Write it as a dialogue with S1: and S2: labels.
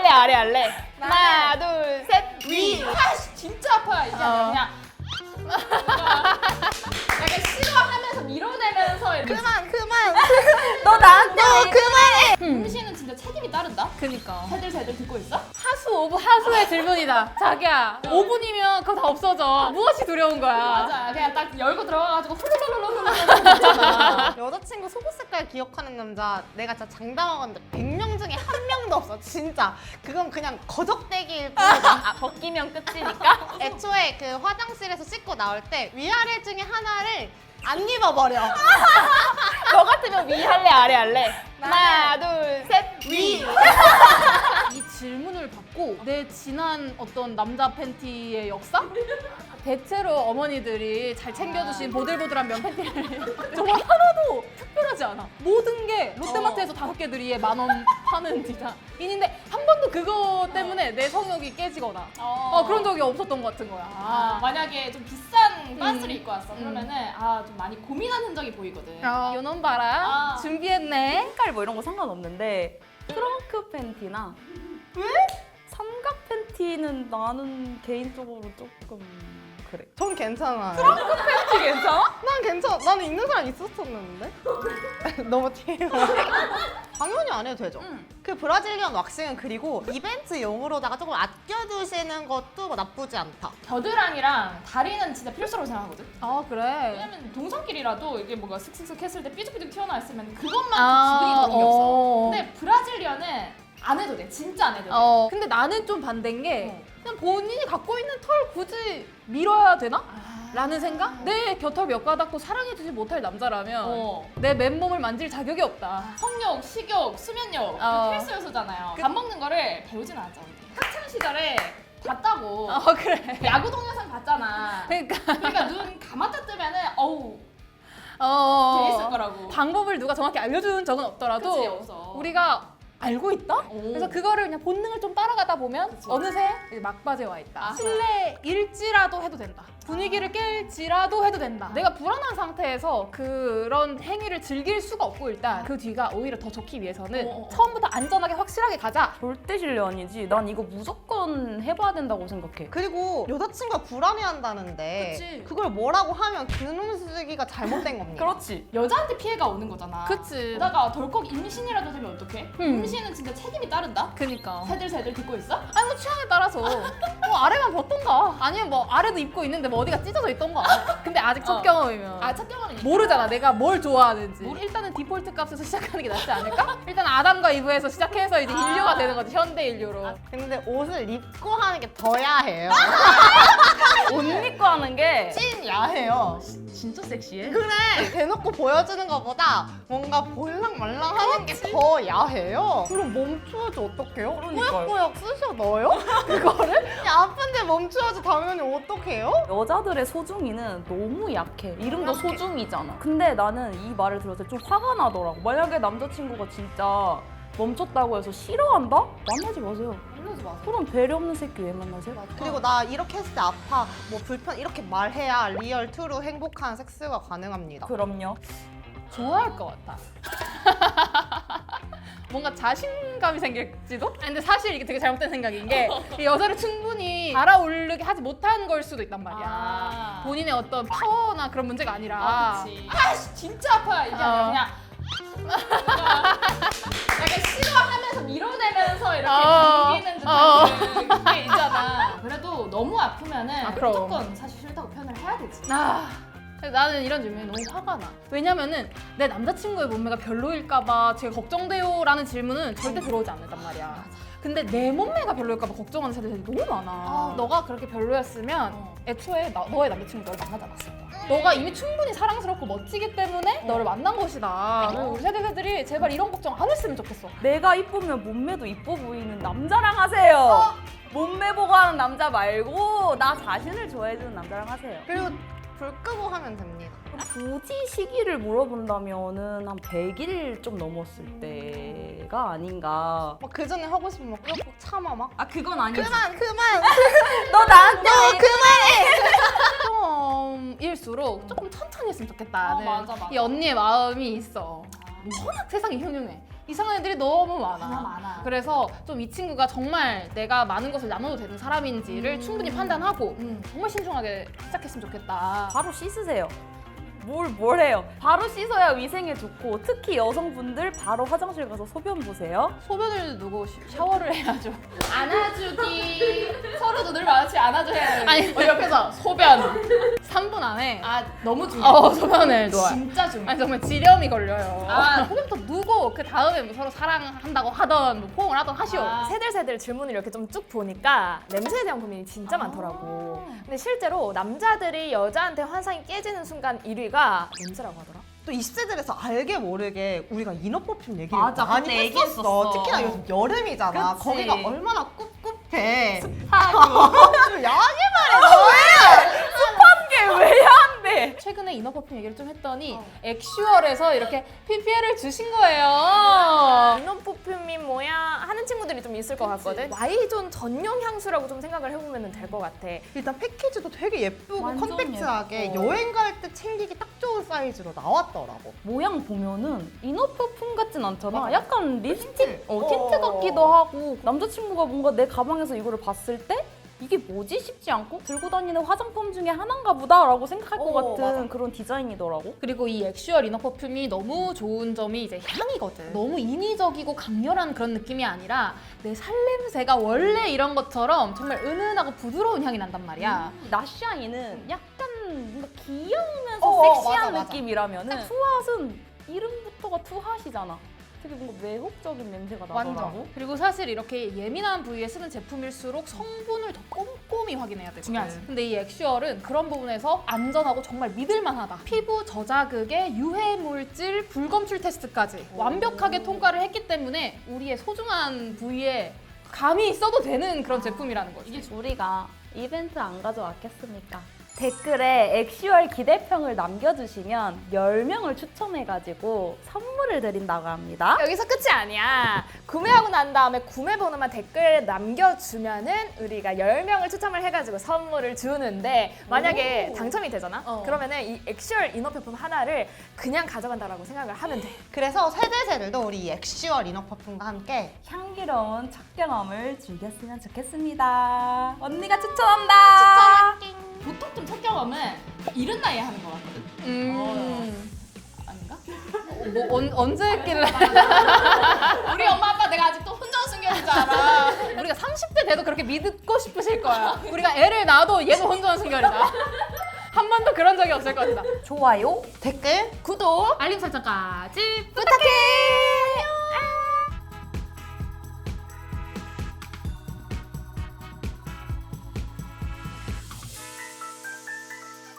S1: 아래 할래? 하나, 둘, 셋, 위.
S2: 아씨 진짜 아파요 이게 아니라 그냥 약간 싫어하면서 밀어내면서 이렇게
S1: 그만.
S3: 너 나한테
S1: 그만해.
S2: 음식은 진짜 책임이 따른다?
S1: 그니까.
S2: 새들 듣고 있어?
S1: 하수 오브 하수의 질문이다. 자기야, 5분이면 그거 다 없어져. 무엇이 두려운 거야?
S2: 맞아 그냥 딱 열고 들어가가지고 훌룰룰룰룰룰 있잖아.
S3: 여자친구 속옷 색깔 기억하는 남자 내가 진짜 장담하건데 100명 중에 한 명도 없어 진짜. 그건 그냥 거적대기일 뿐이다.
S1: 벗기면 끝이니까.
S3: 애초에 그 화장실에서 씻고 나올 때 위아래 중에 하나를 안 입어버려.
S1: 너 같으면 위 할래 아래 할래? 하나, 둘, 셋, 위. 이 질문을 받고 내 지난 어떤 남자 팬티의 역사? 대체로 어머니들이 잘 챙겨주신 보들보들한 면 팬티를 정말 하나도 특별하지 않아. 모든 게 롯데마트에서 5개들이에 10,000원 파는 디자인인데 한 번도 그거 때문에 내 성욕이 깨지거나 그런 적이 없었던 것 같은 거야.
S2: 만약에 좀 비싼 빤스를 입고 왔어 그러면은 좀 많이 고민한 흔적이 보이거든.
S1: 요놈 봐라. 준비했네.
S3: 색깔 뭐 이런 거 상관없는데 트렁크 팬티나 왜? 삼각 팬티는 나는 개인적으로 조금 그래. 전 괜찮아요. 트렁크
S1: 팬티 괜찮아?
S3: 난 괜찮아. 나는 입는 사람 있었었는데. 너무 TMI. 당연히 안 해도 되죠. 그 브라질리언 왁싱은 그리고 이벤트용으로다가 조금 아껴두시는 것도 뭐 나쁘지 않다.
S2: 겨드랑이랑 다리는 진짜 필수라고 생각하거든.
S1: 아 그래?
S2: 왜냐면 동성끼리라도 이게 뭔가 슥슥슥 했을 때 삐죽삐죽 튀어나와 있으면 그것만 기분이 좋은 게 없어. 근데 브라질리언은 안 해도 돼. 진짜 안 해도 돼.
S1: 근데 나는 좀 반대인 게 그냥 본인이 갖고 있는 털 굳이 밀어야 되나? 라는 생각? 내 곁털 몇 가닥도 사랑해주지 못할 남자라면 내 맨몸을 만질 자격이 없다.
S2: 성욕, 식욕, 수면욕 필수 요소잖아요. 밥 먹는 거를 배우진 않았죠. 학창 시절에 봤다고.
S1: 그래.
S2: 야구 동영상 봤잖아.
S1: 그러니까
S2: 눈 감았다 뜨면은 어우 재밌을 거라고.
S1: 방법을 누가 정확히 알려준 적은 없더라도
S2: 그치, 없어.
S1: 우리가 알고 있다? 그래서 그거를 그냥 본능을 좀 따라가다 보면 어느새 이제 막바지에 와 있다. 실내일지라도 해도 된다. 분위기를 깰지라도 해도 된다. 내가 불안한 상태에서 그런 행위를 즐길 수가 없고 일단 그 뒤가 오히려 더 좋기 위해서는 처음부터 안전하게 확실하게 가자.
S4: 절대 실례 아니지. 난 이거 무조건 해봐야 된다고 생각해.
S3: 그리고 여자친구가 불안해한다는데
S1: 그치.
S3: 그걸 뭐라고 하면 그놈 쓰기가 잘못된 겁니다.
S4: 그렇지.
S2: 여자한테 피해가 오는 거잖아.
S1: 그치.
S2: 게다가 덜컥 임신이라도 되면 어떡해? 임신은 진짜 책임이 따른다?
S1: 그니까.
S2: 새들 듣고 있어?
S1: 아니 뭐 취향에 따라서 아래만 벗던가 아니면 뭐 아래도 입고 있는데 뭐 어디가 찢어져 있던가. 근데 아직 첫 경험이면
S2: 첫 경험은
S1: 모르잖아 내가 뭘 좋아하는지. 일단은 디폴트 값에서 시작하는 게 낫지 않을까? 일단 아담과 이브에서 시작해서 이제 인류가 되는 거지. 현대 인류로.
S3: 근데 옷을 입고 하는 게 더 야해요.
S4: 옷 입고 하는 게
S3: 찐 야해요.
S4: 진짜 섹시해.
S3: 그래. 대놓고 보여주는 것보다 뭔가 볼랑말랑 하는 게 더 야해요. 그럼 멈추어지 어떡해요?
S4: 그러니까요.
S3: 꾸역꾸역 쑤셔 넣어요? 그거를? 야, 아픈데 멈추어지 당연히 어떡해요?
S4: 여자들의 소중이는 너무 약해. 이름도 소중이잖아. 근데 나는 이 말을 들었을 때 좀 화가 나더라고. 만약에 남자친구가 진짜 멈췄다고 해서 싫어한다? 만나지 마세요.
S2: 이러지 마.
S4: 그럼 배려 없는 새끼 왜 만나세요?
S3: 그리고 나 이렇게 했을 때 아파, 뭐 불편 이렇게 말해야 리얼 트루 행복한 섹스가 가능합니다.
S4: 그럼요.
S1: 좋아할 것 같아. 뭔가 자신감이 생길지도? 아니, 근데 사실 이게 되게 잘못된 생각인 게 이 여자를 충분히 달아오르게 하지 못한 걸 수도 있단 말이야. 본인의 어떤 파워나 그런 문제가 아니라.
S2: 그치. 아씨 진짜 아파요 이게 아니라 그냥 약간 싫어하면서 밀어내면서 이렇게 당기는 듯한 그게 있잖아. 그래도 너무 아프면은
S1: 그럼.
S2: 무조건 사실 싫다고 표현을 해야 되지.
S1: 근데 나는 이런 질문이 너무 화가 나. 왜냐면은 내 남자친구의 몸매가 별로일까봐 제가 걱정돼요라는 질문은 절대 들어오지 않는단 말이야. 근데 내 몸매가 별로일까봐 걱정하는 사람들이 너무 많아. 너가 그렇게 별로였으면 애초에 너의 남자친구 너를 만나지 않았을 거야. 너가 이미 충분히 사랑스럽고 멋지기 때문에 너를 만난 것이다. 그래서 우리 세대들이 제발 이런 걱정 안 했으면 좋겠어.
S4: 내가 이쁘면 몸매도 이뻐 보이는 남자랑 하세요. 몸매 보고 하는 남자 말고 나 자신을 좋아해주는 남자랑 하세요.
S3: 그리고 불 끄고 하면 됩니다.
S4: 굳이 시기를 물어본다면은 한 100일 좀 넘었을 때가 아닌가.
S3: 막 그 전에 하고 싶으면 막 꾹꾹 참아 막.
S4: 아 그건 아니지.
S3: 그만.
S4: 너 나한테
S1: 처음일수록 조금 천천히 했으면 좋겠다는
S2: 맞아.
S1: 이 언니의 마음이 있어. 워낙 세상이 흉흉해. 이상한 애들이 너무 많아.
S2: 많아.
S1: 그래서 좀 이 친구가 정말 내가 많은 것을 나눠도 되는 사람인지를 충분히 판단하고 정말 신중하게 시작했으면 좋겠다.
S4: 바로 씻으세요. 뭘 해요? 바로 씻어야 위생에 좋고 특히 여성분들 바로 화장실 가서 소변 보세요.
S1: 소변을 누고 샤워를 해야죠.
S2: 안아주기. 서로도 늘 마주치 안아줘야 돼.
S1: 아니,
S2: 옆에서 소변.
S1: 3분 안에
S2: 아 너무 중요해.
S1: 소변을 놓아요.
S2: 진짜 중요해.
S1: 아니 정말 지렴이 걸려요.
S2: 아.
S1: 소변부터 누고 그 다음에 뭐 서로 사랑한다고 하던 뭐 포옹을 하던 하시오.
S2: 아.
S5: 세들세들 질문을 이렇게 좀 쭉 보니까 냄새에 대한 고민이 진짜 많더라고. 근데 실제로 남자들이 여자한테 환상이 깨지는 순간 1위가 냄새라고 하더라.
S3: 또 20세들에서 알게 모르게 우리가 이너 퍼퓸 얘기를
S4: 맞아,
S3: 많이
S4: 그때
S3: 했었어.
S4: 얘기했었어.
S3: 특히나 요즘 여름이잖아.
S4: 그치.
S3: 거기가 얼마나 꿉꿉해.
S4: 하고
S3: 야하게 말해.
S4: 왜 안 돼?
S1: 최근에 이너 퍼퓸 얘기를 좀 했더니 액슈얼에서 이렇게 PPL을 주신 거예요.
S5: 이너 퍼퓸이 뭐야 하는 친구들이 좀 있을 것 같거든. Y존 전용 향수라고 좀 생각을 해보면 될 것 같아.
S3: 일단 패키지도 되게 예쁘고
S4: 완전
S3: 컴팩트하게
S4: 예뻐.
S3: 여행 갈 때 챙기기 딱 좋은 사이즈로 나왔더라고.
S4: 모양 보면은 이너 퍼퓸 같진 않잖아.
S3: 맞아.
S4: 약간 립스틱,
S3: 틴트.
S4: 틴트 같기도 하고 남자친구가 뭔가 내 가방에서 이거를 봤을 때 이게 뭐지 싶지 않고 들고 다니는 화장품 중에 하나인가 보다라고 생각할 것 같은
S3: 맞아.
S4: 그런 디자인이더라고.
S1: 그리고 이 액슈얼 이너 퍼퓸이 너무 좋은 점이 이제 향이거든. 너무 인위적이고 강렬한 그런 느낌이 아니라 내 살냄새가 원래 이런 것처럼 정말 은은하고 부드러운 향이 난단 말이야.
S4: 나샤이는 약간 뭔가 귀여우면서
S3: 어,
S4: 섹시한
S3: 맞아.
S4: 느낌이라면은 투핫은 이름부터가 투핫이잖아. 되게 뭔가 매혹적인 냄새가 나더라고.
S1: 완전. 그리고 사실 이렇게 예민한 부위에 쓰는 제품일수록 성분을 더 꼼꼼히 확인해야 되거든.
S2: 중요하지.
S1: 근데 이 액슈얼은 그런 부분에서 안전하고 정말 믿을만하다. 피부 저자극에 유해 물질 불검출 테스트까지 완벽하게 통과를 했기 때문에 우리의 소중한 부위에 감히 써도 되는 그런 제품이라는 거지.
S2: 이게
S4: 우리가 이벤트 안 가져왔겠습니까? 댓글에 액슈얼 기대평을 남겨주시면 10명을 추첨해가지고 선물을 드린다고 합니다.
S5: 여기서 끝이 아니야. 구매하고 난 다음에 구매 번호만 댓글에 남겨주면은 우리가 10명을 추첨을 해가지고 선물을 주는데 만약에 당첨이 되잖아? 그러면은 이 액슈얼 이너 퍼퓸 하나를 그냥 가져간다라고 생각을 하면 돼.
S3: 그래서 세대세들도 우리 이 액슈얼 이너 퍼퓸과 함께
S4: 향기로운 첫 경험을 즐겼으면 좋겠습니다. 언니가 추천한다.
S2: 보통 좀 첫 경험은 이른 나이에 하는 것 같거든. 아닌가?
S1: 뭐 언제 했길래
S2: 우리 엄마 아빠 내가 아직도 혼전순결인 줄 알아.
S1: 우리가 30대 돼도 그렇게 믿고 싶으실 거야. 우리가 애를 낳아도 얘도 혼전순결이다. 한 번도 그런 적이 없을 것이다.
S4: 좋아요.
S3: 댓글
S5: 구독!
S1: 알림 설정까지
S5: 부탁해!